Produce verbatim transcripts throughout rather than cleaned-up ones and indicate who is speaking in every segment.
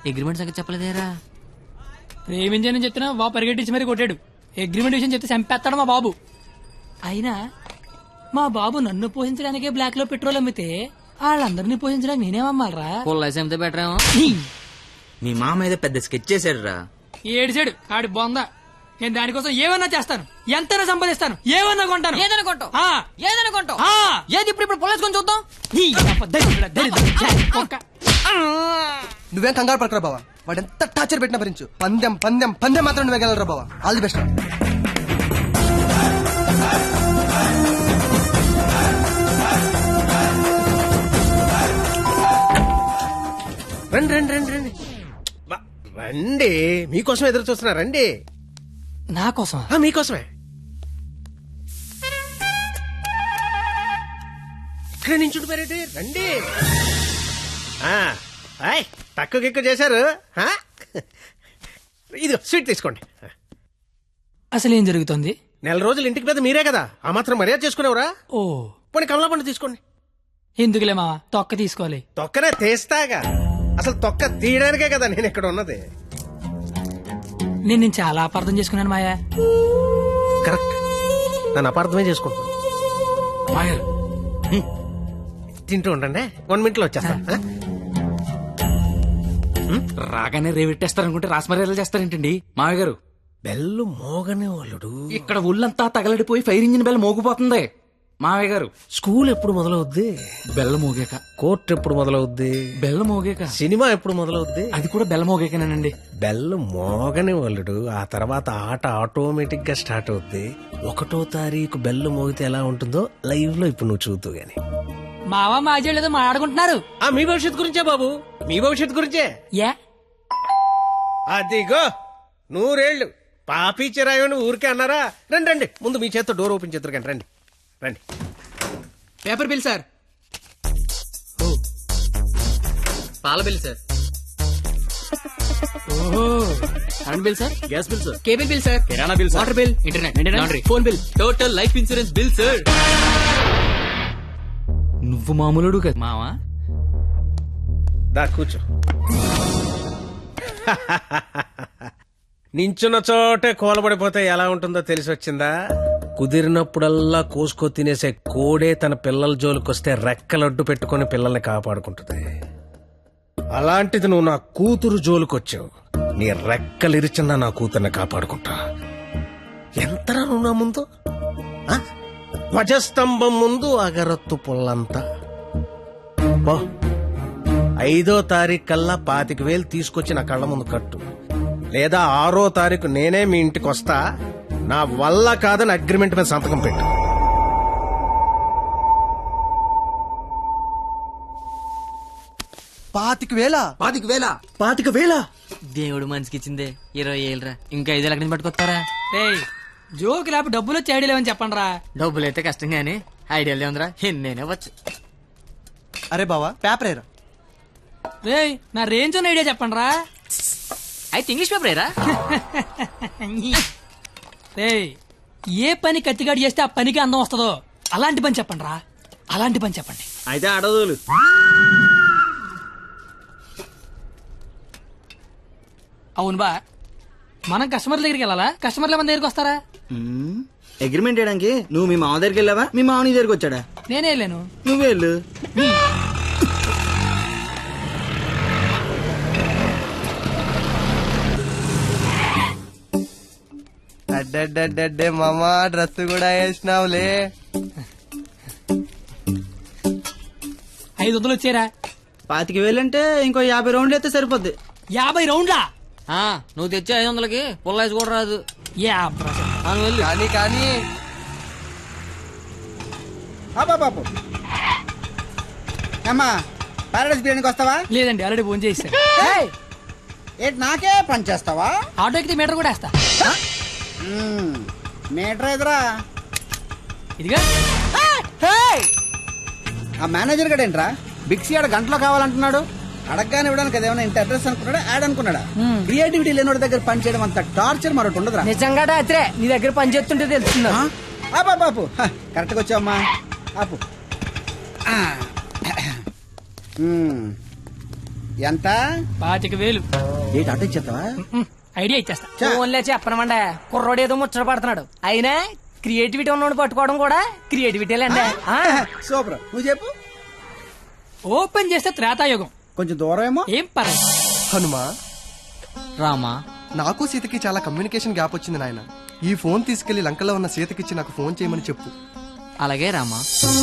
Speaker 1: Agreement సంగతి చెప్పలేదేరా?
Speaker 2: ప్రేమించని చెప్తున్నా బాబు పరిగెట్టించి మరీ కొట్టాడు. అగ్రిమెంట్ విషయం చెప్తే చంపేస్తాడు మా బాబు. అయినా మా బాబు నన్ను పోషించడానికే బ్లాక్ లో పెట్రోల్ అమ్మితే వాళ్ళందరినీ పోషించడానికి నేనేమమ్మాలరా?
Speaker 1: పొల్లైతే బెటర్ ఏమో.
Speaker 3: మీ మామ ఏదో పెద్ద స్కెచ్ చేశాడు రా.
Speaker 2: ఏడిచాడు ఆడి బొందా. నేను దానికోసం ఏమన్నా చేస్తాను, ఎంతైనా సంపాదిస్తాను, ఏమన్నా కొంటాను.
Speaker 1: ఏదైనా కొంటావు?
Speaker 2: ఆ.
Speaker 1: ఏదైనా కొంటావు?
Speaker 2: ఆ.
Speaker 1: ఏది ఇప్పుడు ఇప్పుడు పొల్లేసుకొని చూద్దాం.
Speaker 2: ఈ అబ్బ దరిద్రుడా, దరిద్రుడా, కుక్క.
Speaker 4: నువ్వేం కంగారు పడకరా బావా, వాడు ఎంత టార్చర్ పెట్టినా భరించు. పందెం పందెం పందెం మాత్రం నువ్వే గెలరా బావా. All the best.
Speaker 5: రండి రండి రండి రండి రండి, మీకోసం ఎదురు చూస్తున్నా. రండి.
Speaker 2: నా కోసం?
Speaker 5: మీకోసమే. ఇక్కడ నుంచి ఉండిపోయారేంటి? రండి. తక్కువ గిక్కువ చేశారు. ఇది స్వీట్ తీసుకోండి.
Speaker 2: అసలు ఏం జరుగుతుంది?
Speaker 5: నెల రోజులు ఇంటికి పెద్ద మీరే కదా, ఆ మాత్రం మర్యాద చేసుకునేవరా?
Speaker 2: ఓ
Speaker 5: పోనీ కమలా పండు తీసుకోండి.
Speaker 2: ఎందుకులే మావా, తొక్క తీసుకోవాలి.
Speaker 5: తొక్కనే తీస్తాగా, అసలు తొక్క తీయడానికే కదా నేను ఇక్కడ ఉన్నది.
Speaker 2: నేను నేను చాలా అపార్థం చేసుకున్నాను మాయా.
Speaker 5: కరెక్ట్, నన్ను అపార్థమే చేసుకుంటాను. తింటూ ఉండండి, వన్ మినిట్ లో వచ్చేస్తా.
Speaker 3: రాగానే రేవెట్టేస్తారనుకుంటే రాస్మర్యాలు చేస్తారేంటండి మామయ్య గారు?
Speaker 5: బెల్లు మోగనే వాళ్ళుడు.
Speaker 3: ఇక్కడ ఒళ్ళంతా తగలడిపోయి ఫైర్ ఇంజిన్ బెల్ మోగిపోతుంది మామయ్య గారు.
Speaker 5: స్కూల్ ఎప్పుడు మొదలవుద్ది?
Speaker 3: బెల్ల మోగాక.
Speaker 5: కోర్టు ఎప్పుడు మొదలవుద్ది?
Speaker 3: బెల్ల మోగాక.
Speaker 5: సినిమా ఎప్పుడు మొదలవుద్ది?
Speaker 3: అది కూడా బెల్ల మోగాకనేనండి.
Speaker 5: బెల్లు మోగని వాళ్ళుడు, ఆ తర్వాత ఆట ఆటోమేటిక్ గా స్టార్ట్ అవుద్ది. ఒకటో తారీఖు బెల్లు మోగితే ఎలా ఉంటుందో లైవ్ లో ఇప్పుడు నువ్వు చూద్దు గాని.
Speaker 2: మావా మాజీ లేదో మాట్లాడుకుంటున్నారు.
Speaker 5: ఆ మీ భవిష్యత్తు గురించే బాబు, మీ భవిష్యత్తు గురించే.
Speaker 2: యా
Speaker 5: అదిగో నూరేళ్లు పాపి చిరాయని ఊరికే అన్నారా? రండి రండి, ముందు మీ చేత్తో డోర్ ఓపెన్ చేద్దరు కానీ. రండి రండి.
Speaker 1: Paper bill sir. పాల బిల్ సార్.
Speaker 2: ఓహో.
Speaker 1: Current bill sir.
Speaker 3: Gas bill sir.
Speaker 1: Cable bill sir.
Speaker 3: కిరాణా bill sir.
Speaker 1: Water bill. Internet, laundry, phone bill, total life insurance bill sir.
Speaker 3: నువ్వు మామూలుడు కదా
Speaker 1: మావా.
Speaker 5: దా కూర్చో. నించున్న చోటే కోలబడిపోతే ఎలా ఉంటుందో తెలిసి వచ్చిందా? కుదిరినప్పుడల్లా కోసుకో తినేసే కోడే తన పిల్లల జోలికొస్తే రెక్కలడ్డు పెట్టుకుని పిల్లల్ని కాపాడుకుంటుంది. అలాంటిది నువ్వు నా కూతురు జోలికొచ్చావు, నీ రెక్కలిరిచినా నా కూతుర్ని కాపాడుకుంటా. ఎంతరా నువ్వు నా ముందు? ఆ? ధ్వజస్తంభం ముందు అగరత్తు పుల్లంతా. బా ఐదో తారీఖు కల్లా పాతిక వేలు తీసుకొచ్చి నా కళ్ళ ముందు కట్టు, లేదా ఆరో తారీఖు నేనే మీ ఇంటికి వస్తా. నా వల్ల కాదని అగ్రిమెంట్ మీద సంతకం పెట్టు.
Speaker 4: పాతిక వేల
Speaker 3: పాతిక వేల పాతిక వేల
Speaker 1: దేవుడు మనిషికి ఇచ్చిందే ఇరవై ఏళ్ళరా, ఇంకా ఐదు లక్షలు పట్టుకొస్తారా?
Speaker 2: ఏయ్ జోక్ లేపు డబ్బులు వచ్చి ఐడియా లేవని చెప్పండి రా.
Speaker 1: డబ్బులు అయితే కష్టం గానీ ఐడియాలు ఏముందిరా, నేనే వచ్చు.
Speaker 4: అరే బావా పేపర్ ఏరా.
Speaker 2: రేయ్ నా రేంజ్ ఉన్న ఐడియా చెప్పండి రా.
Speaker 1: అయితే ఇంగ్లీష్ పేపర్ ఏరా.
Speaker 2: రేయ్ ఏ పని కత్తిగాడు చేస్తే ఆ పనికి అందం వస్తుందో అలాంటి పని చెప్పండి రా, అలాంటి పని చెప్పండి.
Speaker 3: అయితే అడదులు.
Speaker 2: అవును బా, మనం కస్టమర్ల దగ్గరికి వెళ్ళాలా, కస్టమర్ల మన దగ్గరికి వస్తారా?
Speaker 6: అగ్రిమెంట్ చేయడానికి నువ్వు మీ మామ దగ్గరికి వెళ్ళావా, మీ మామ నీ దగ్గరికి వచ్చాడా?
Speaker 2: నేనే వెళ్ళాను.
Speaker 6: నువ్వే వెళ్ళు.
Speaker 4: అడ్డే మామా డ్రెస్ కూడా వేసినావులే.
Speaker 2: ఐదు వందలు వచ్చారా?
Speaker 6: పాతిక వేలంటే ఇంకో యాభై రౌండ్లు అయితే సరిపోద్ది.
Speaker 2: యాభై రౌండ్లా?
Speaker 1: ఆ, నువ్వు తెచ్చే ఐదు వందలకి పుల్లాయిస్ కూడా రాదు.
Speaker 2: యా
Speaker 4: కానీ కానీ
Speaker 7: బాబు అమ్మా పారాడైస్ బిర్యానీకి వస్తావా?
Speaker 2: లేదండి, ఆల్రెడీ ఫోన్ చేశాను.
Speaker 7: ఏంటి నాకే పని చేస్తావా?
Speaker 2: ఆటో ఎక్కితే మీటర్ కూడా వేస్తా.
Speaker 7: మీటర్ ఎదురా
Speaker 2: ఇదిగా.
Speaker 7: ఆ మేనేజర్ గడ ఏంట్రా బిక్సీ ఆడ గంటలో కావాలంటున్నాడు. అడగగానే ఇవ్వడానికి అదేమన్నా ఇంత అడ్రస్ అనుకున్నాడా, యాడ్ అనుకున్నాడా? క్రియేటివిటీ లేనోడి దగ్గర పని చేయడం అంత టార్చర్ మరొకటి ఉండదురా.
Speaker 2: నిజంగా రాత్రే నీ దగ్గర పని చేస్తుంటే తెలుస్తుందా?
Speaker 7: ఆపా బాపు, కరెక్ట్గా వచ్చావమ్మా. ఆపు. ఎంత?
Speaker 2: పాతిక వేలు
Speaker 7: ఏంటి అట్ట ఇచ్చేస్తావా?
Speaker 2: ఉమ్, ఐడియా ఇచ్చేస్తా.
Speaker 8: ఫోన్లే చెప్పనమండ కుర్రోడు ఏదో ముచ్చట పడుతున్నాడు. అయినా క్రియేటివిటీ ఉన్నోడు పట్టుకోవడం కూడా క్రియేటివిటీలేండి.
Speaker 7: సూపర్, నువ్వు చెప్పు.
Speaker 2: ఓపెన్ చేస్తే త్రేతాయుగం.
Speaker 7: కొంచెం దూరం ఏమో.
Speaker 2: ఏం పర్లేదు.
Speaker 4: హనుమా,
Speaker 1: రామా
Speaker 4: నాకు సీతకి చాలా కమ్యూనికేషన్ గ్యాప్ వచ్చింది నాయన. ఈ ఫోన్ తీసుకెళ్లి లంకలో ఉన్న సీతకిచ్చి నాకు ఫోన్ చేయమని చెప్పు.
Speaker 1: అలాగే రామా.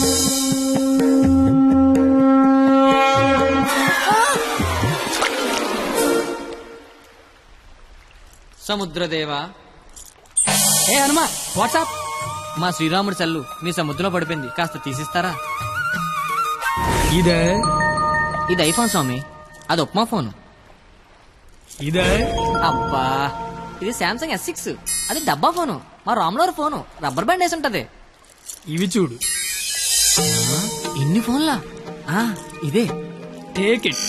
Speaker 1: సముద్రదేవా.
Speaker 2: ఏ హనుమా, వాట్సాప్.
Speaker 1: మా శ్రీరాముడి చల్లు మీ సముద్రంలో పడిపోయింది, కాస్త తీసిస్తారా?
Speaker 2: ఇదే
Speaker 1: ఇది ఐఫోన్ స్వామి, అది ఉప్మా ఫోను.
Speaker 2: ఇదే
Speaker 1: అబ్బా, ఇది శాంసంగ్ ఎస్ సిక్స్, అది డబ్బా ఫోను. మా రామ్లోర్ ఫోను రబ్బర్ బ్యాండ్ వేసి ఉంటది.
Speaker 2: ఇవి చూడు.
Speaker 1: ఇన్ని ఫోన్లా? ఆ, ఇదే.
Speaker 2: Take it.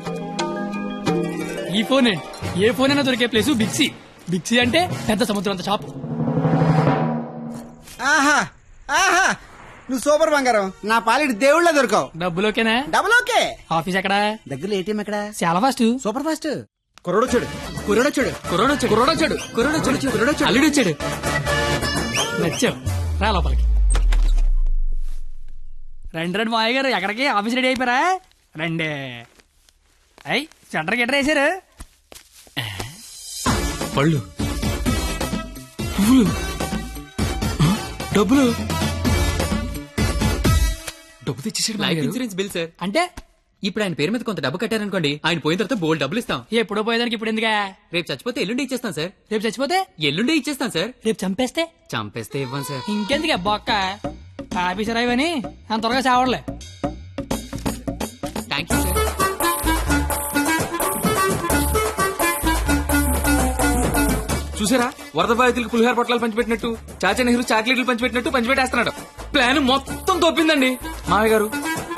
Speaker 2: ఈ ఫోన్ ఏంటి? ఏ ఫోన్ అయినా దొరికే ప్లేస్ బిక్సీ. బిక్సీ అంటే పెద్ద సముద్రం అంత షాపు.
Speaker 7: ఆహా ఆహా, నువ్వు సూపర్ బంగారం. నా పాలిటి దేవుళ్ళ దొరకవు.
Speaker 2: డబ్బులోకేనా?
Speaker 7: Double okay.
Speaker 2: ఆఫీస్ ఎక్కడా?
Speaker 7: దగ్గరలో ఏటీఎం ఎక్కడ?
Speaker 2: చాలా ఫాస్ట్.
Speaker 7: Super fast. కుర్రోడొచ్చాడు, కుర్రోడొచ్చాడు,
Speaker 2: కుర్రోడొచ్చాడు, కుర్రోడొచ్చాడు, కుర్రోడొచ్చాడు, కుర్రోడొచ్చాడు, అల్లుడు వచ్చాడు. నచ్చావు, రా లోపలికి. రండి రండి మాయ గారు, ఎక్కడికి? ఆఫీస్ రెడీ అయిపోయారా? రండి. అయ్యి సెంటర్ గిట్టర్ వేసారు. పళ్ళు, పువ్వులు, డబ్బులు.
Speaker 3: డబ్బు తెచ్చేసాడు
Speaker 1: లైఫ్ ఇన్సూరెన్స్ బిల్ సార్.
Speaker 2: అంటే
Speaker 1: ఇప్పుడు ఆయన పేరు మీద కొంత డబ్బు కట్టారనుకోండి, ఆయన పోయిన తర్వాత బోల్డ్ డబ్బులు ఇస్తాం.
Speaker 2: ఎప్పుడో పోయేదానికి ఇప్పుడు ఎందుకా?
Speaker 1: రేపు చచ్చిపోతే ఎల్లుండి ఇచ్చేస్తాం సార్.
Speaker 2: రేపు చచ్చిపోతే?
Speaker 1: ఎల్లుండి ఇచ్చేస్తాం సార్.
Speaker 2: రేపు చంపేస్తే?
Speaker 1: చంపేస్తే ఇవ్వం సార్.
Speaker 2: ఇంకెందుకు బొక్క? ఆఫీసర్ అయ్యని అంత త్వరగా చావడలే.
Speaker 1: Thank you sir.
Speaker 3: చూసారా, వరద బాధితులకు పులిహార పొట్లాలు పంచిపెట్టినట్టు చాచా నెహ్రూ చాక్లెట్లు పంచిపెట్టినట్టు పంచిపెట్టేస్తున్నాడు. ప్లాన్ మొత్తం తోపిందండి మామయ్య గారు.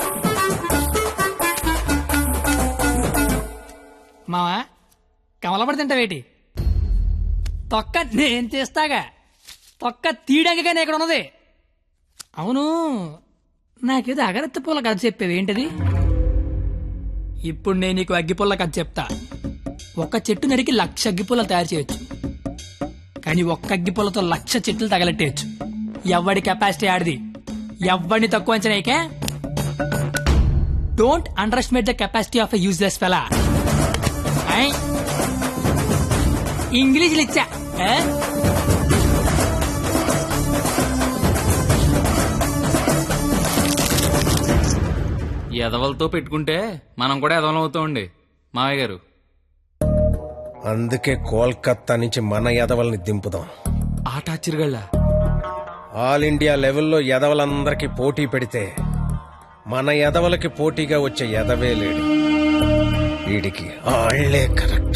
Speaker 2: మావా, కమలపడి తింటావేటి? తొక్క నేను తీస్తాగా. తొక్క తీయడానికి ఇక్కడ ఉన్నది. అవును, నాకేదో అగరత్తి పూల కథ చెప్పేవి ఏంటది? ఇప్పుడు నేను నీకు అగ్గిపుల్ల కథ చెప్తా. ఒక చెట్టు నరికి లక్ష అగ్గిపుల్ల తయారు చేయొచ్చు, కానీ ఒక్క అగ్గిపుల్లతో లక్ష చెట్లు తగలెట్టేయచ్చు. ఎవడి కెపాసిటీ ఆడిది. ఎవడిని తక్కువ అంచనాయికే. Don't underestimate the capacity of a useless fellow. ఇంగ్లీష్లు ఇచ్చా.
Speaker 3: ఎదవలతో పెట్టుకుంటే మనం కూడా ఎదవలం అవుతామండి మామయ్య గారు.
Speaker 5: అందుకే కోల్కత్తా నుంచి మన ఎదవల్ని దింపుదాం.
Speaker 3: ఆట ఆశ్చర్యగళ్ళ
Speaker 5: ఆల్ ఇండియా లెవెల్లో ఎదవలందరికీ పోటీ పెడితే మన ఎదవలకి పోటీగా వచ్చే ఎదవే లేడు. వీడికి ఆళ్లే కరెక్ట్.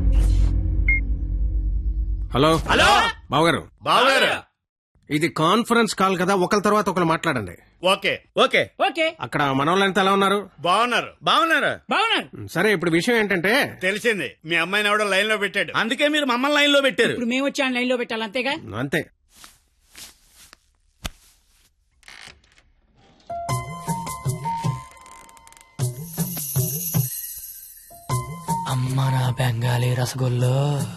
Speaker 5: హలో హలో బావగారు, బావగారు, ఇది కాన్ఫరెన్స్ కాల్ కదా, ఒకరి తర్వాత ఒకరు మాట్లాడండి.
Speaker 9: Okay okay
Speaker 2: okay.
Speaker 5: అక్కడ మనోళ్ళంతా ఎలా ఉన్నారు?
Speaker 9: బాగున్నారు బాగున్నారు
Speaker 2: బాగున్నాను.
Speaker 5: సరే, ఇప్పుడు విషయం ఏంటంటే,
Speaker 9: తెలిసింది మీ అమ్మాయిని ఎవడో లైన్ లో పెట్టాడు, అందుకే మీరు మమ్మల్ని లైన్ లో పెట్టారు.
Speaker 2: ఇప్పుడు మేము వచ్చి లైన్ లో పెట్టాలి, అంతేగా?
Speaker 5: అంతే.
Speaker 2: అమ్మ నా బెంగాలీ రసగుల్లో.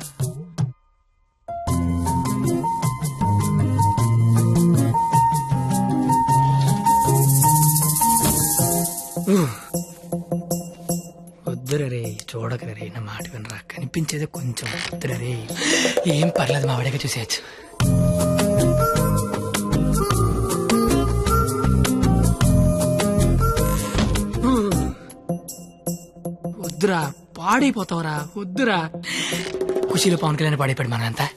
Speaker 2: వద్దురే, చూడకరే, నా మాట వినరా. కనిపించేది కొంచెం. వద్దురే, ఏం పర్లేదు, మా వాడిగా చూసేయచ్చు. వద్దురా, పాడైపోతావురా. వద్దురా. ఖుషీలో పవన్ కళ్యాణ్ పాడైపోయాడు మనంతా.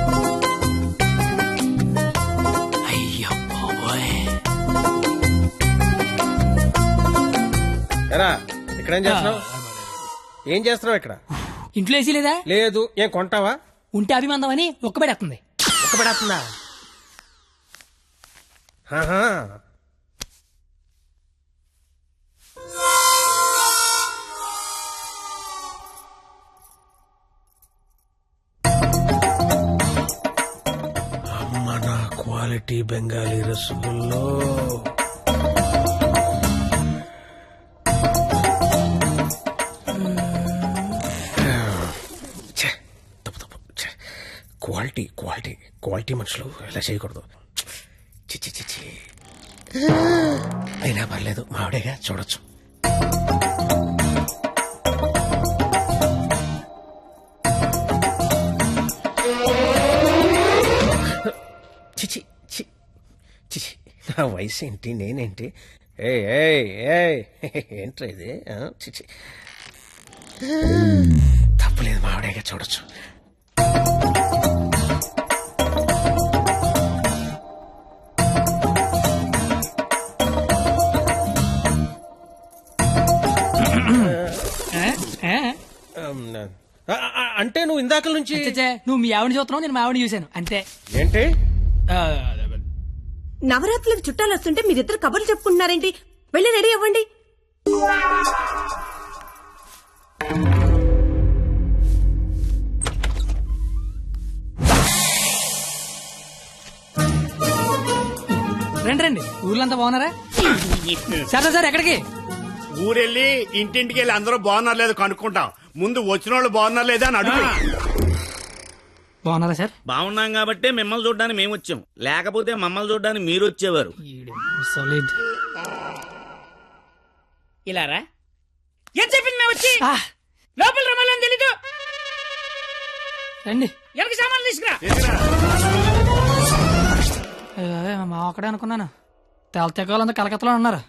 Speaker 2: అయ్యో బాబోయ్.
Speaker 5: ఎరా, ఇక్కడేం చేస్తున్నావు? ఏం చేస్తున్నావు ఇక్కడ?
Speaker 2: ఇంట్లో వేసి లేదా?
Speaker 5: లేదు. ఏం కొంటావా?
Speaker 2: ఉంటే అభిమందం అని ఒక్కబెడేస్తుంది.
Speaker 5: ఒక్కబడేస్తుందా? అమ్మ నా క్వాలిటీ బెంగాలీ రసగుల్లో. క్వాలిటీ క్వాలిటీ క్వాలిటీ మనుషులు ఇలా చేయకూడదు. చిచ్చి చిచ్చి అయినా పర్లేదు మావిడేగా చూడొచ్చు. చిచి చి చిచి నా వయసు ఏంటి నేనేంటి? ఏ ఏంట్రా ఇది? ఆ, చిచి తప్పులేదు మావిడేగా చూడొచ్చు.
Speaker 2: ఏ?
Speaker 5: ఆ, ఆ, అంటే నువ్వు ఇందాక నుంచి
Speaker 2: చచ్చే, నువ్వు మీ ఆవిడ చూస్తున్నావు, నేను మా ఆవిడ చూశాను అంతే.
Speaker 5: ఏంటి?
Speaker 2: ఆ,
Speaker 10: నవరాత్రులకు చుట్టాలు వస్తుంటే మీరిద్దరు కబుర్లు చెప్పుకుంటున్నారేంటి? వెళ్ళి రెడీ అవ్వండి.
Speaker 2: రండి రండి, ఊర్లంతా బాగున్నారా? సరే సార్ ఎక్కడికి?
Speaker 9: ఊరెళ్ళి ఇంటింటికి వెళ్ళి అందరూ బాగున్నారు లేదు కనుక్కుంటాం. ముందు వచ్చిన వాళ్ళు బాగున్నారు లేదా అని అడుగు.
Speaker 2: బాగున్నారా సార్?
Speaker 9: బాగున్నాం కాబట్టి మిమ్మల్ని చూడడానికి మేము వచ్చాం, లేకపోతే మమ్మల్ని చూడడానికి మీరు వచ్చేవారు.
Speaker 2: సాలిడ్.
Speaker 8: ఇలారా ఏం చెప్పింది మేము వచ్చి లోపల రమ్మాలని తెలీదు.
Speaker 2: రండి.
Speaker 8: ఎవరికి సామాన్లు తీసుకురా.
Speaker 2: అయ్యో, మా ఒక్కడే అనుకున్నాను. తెల తెగ వాళ్ళంతా కలకత్తలో ఉన్నారు.